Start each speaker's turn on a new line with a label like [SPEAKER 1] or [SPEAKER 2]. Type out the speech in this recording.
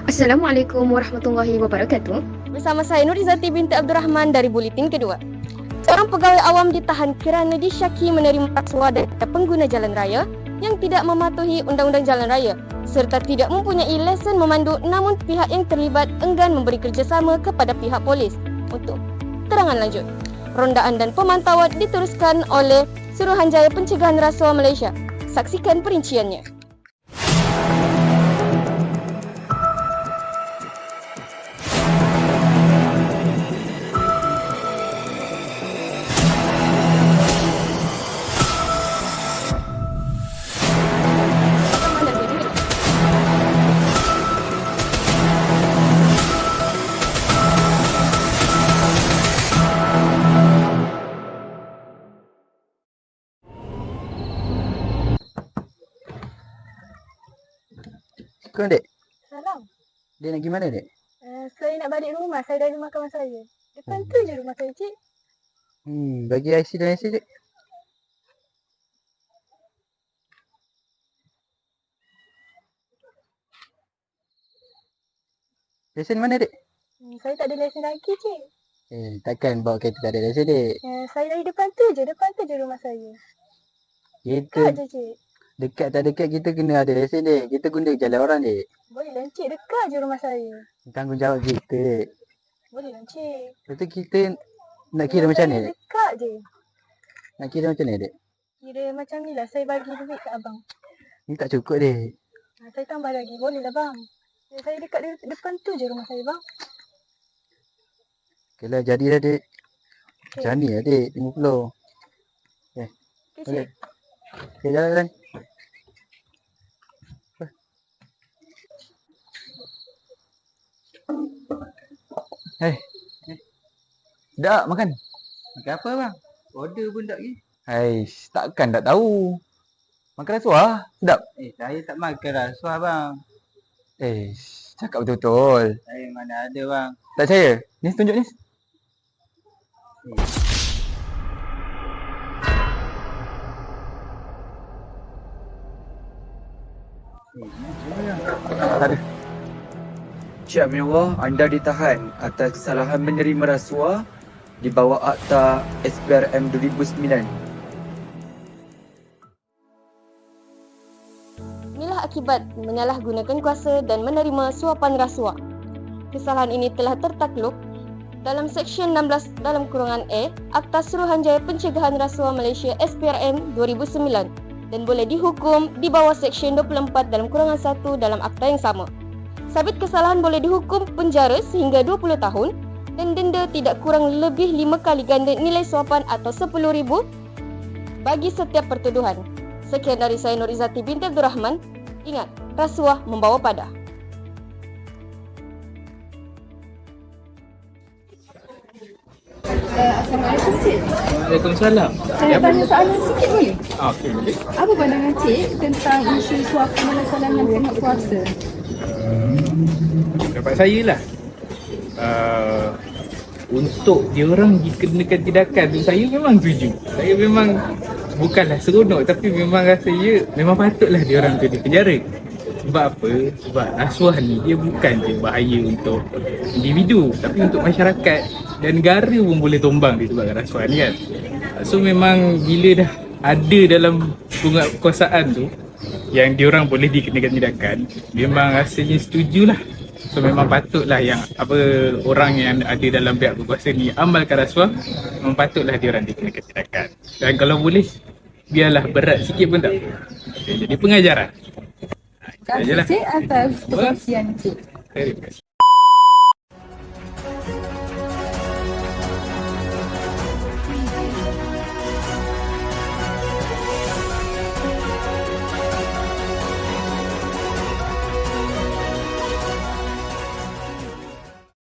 [SPEAKER 1] Assalamualaikum warahmatullahi wabarakatuh.
[SPEAKER 2] Bersama saya Nurizati binti Abdul Rahman dari Buletin Kedua. Seorang pegawai awam ditahan kerana disyaki menerima rasuah daripada pengguna jalan raya yang tidak mematuhi Undang-Undang Jalan Raya serta tidak mempunyai lesen memandu, namun pihak yang terlibat enggan memberi kerjasama kepada pihak polis. Untuk terangan lanjut, rondaan dan pemantauan diteruskan oleh Suruhanjaya Pencegahan Rasuah Malaysia. Saksikan perinciannya.
[SPEAKER 3] Kau dek,
[SPEAKER 4] Salam.
[SPEAKER 3] dia nak pergi mana dek?
[SPEAKER 4] Saya nak balik rumah. Saya dah rumah kawan saya. Depan tu je rumah saya, cik.
[SPEAKER 3] Bagi IC dan IC dek. Lesen mana dek?
[SPEAKER 4] Saya tak ada lesen lagi, cik.
[SPEAKER 3] Takkan bawa kereta tak ada lesen dek.
[SPEAKER 4] Saya dari depan tu je rumah saya. Dekat
[SPEAKER 3] Kita
[SPEAKER 4] je, cik.
[SPEAKER 3] dekat tak dekat kita kena ada lesen dek. Kita guna jalan orang dek.
[SPEAKER 4] Boleh lah, cik. Dekat je rumah saya.
[SPEAKER 3] Tanggungjawab kita dek.
[SPEAKER 4] Boleh lah, cik.
[SPEAKER 3] Lepas tu kita nak kira
[SPEAKER 4] Rumah
[SPEAKER 3] macam
[SPEAKER 4] saya
[SPEAKER 3] mana dek?
[SPEAKER 4] Dekat je.
[SPEAKER 3] Nak kira macam mana dek?
[SPEAKER 4] Kira macam ni lah. Saya bagi duit kat abang.
[SPEAKER 3] Ni tak cukup dek.
[SPEAKER 4] Saya tambah lagi. Boleh lah, bang. Saya dekat depan tu je rumah saya, bang.
[SPEAKER 3] Okay lah, jadilah dek.
[SPEAKER 4] Okay.
[SPEAKER 3] Macam ni lah dek, 50.
[SPEAKER 4] Okay,
[SPEAKER 3] Boleh.
[SPEAKER 4] cik.
[SPEAKER 3] Okay, jalan.
[SPEAKER 5] Tak makan.
[SPEAKER 3] Makan apa bang? Order pun tak pergi.
[SPEAKER 5] Hais, takkan tak tahu. Makan rasuah, sedap.
[SPEAKER 3] Saya tak makan rasuah bang.
[SPEAKER 5] Cakap betul-betul.
[SPEAKER 3] Saya mana ada bang.
[SPEAKER 5] Tak percaya? Ni tunjuk ni. Tak ada.
[SPEAKER 6] Cik Aminullah, anda ditahan atas kesalahan menerima rasuah di bawah Akta SPRM 2009.
[SPEAKER 2] Inilah akibat menyalahgunakan kuasa dan menerima suapan rasuah. Kesalahan ini telah tertakluk dalam Seksyen 16 dalam kurungan A Akta Suruhanjaya Pencegahan Rasuah Malaysia SPRM 2009 dan boleh dihukum di bawah Seksyen 24 dalam kurungan 1 dalam akta yang sama. Sabit kesalahan boleh dihukum penjara sehingga 20 tahun dan denda tidak kurang lebih 5 kali ganda nilai suapan atau RM10,000 bagi setiap pertuduhan. Sekian dari saya Nurizati binti Abdul Rahman. Ingat, rasuah membawa pada.
[SPEAKER 7] Assalamualaikum, Cik.
[SPEAKER 5] Waalaikumsalam.
[SPEAKER 7] Saya tanya soalan sikit boleh?
[SPEAKER 5] Okey, boleh.
[SPEAKER 7] Apa pandangan Cik tentang isu suapan dan kesalahan tengah puasa?
[SPEAKER 8] Pendapat saya lah, untuk diorang dikenakan tindakan tu saya memang setuju. Saya memang bukanlah seronok, tapi memang rasa memang patutlah diorang tu dipenjara. Sebab apa? Sebab rasuah ni dia bukan je bahaya untuk individu, tapi untuk masyarakat dan negara pun boleh tumbang disebabkan rasuah ni kan. So memang bila dah ada dalam penguatkuasaan tu yang diorang boleh dikenakan tindakan, memang rasanya setujulah. So memang patutlah yang orang yang ada dalam pihak berkuasa ni amalkan rasuah, memang patutlah diorang dikenakan tindakan. Dan kalau boleh biarlah berat sikit pun tak apa. Okay, jadi pengajaran.
[SPEAKER 7] Terima kasih Cik atas perkongsian Cik.
[SPEAKER 8] Terima kasih.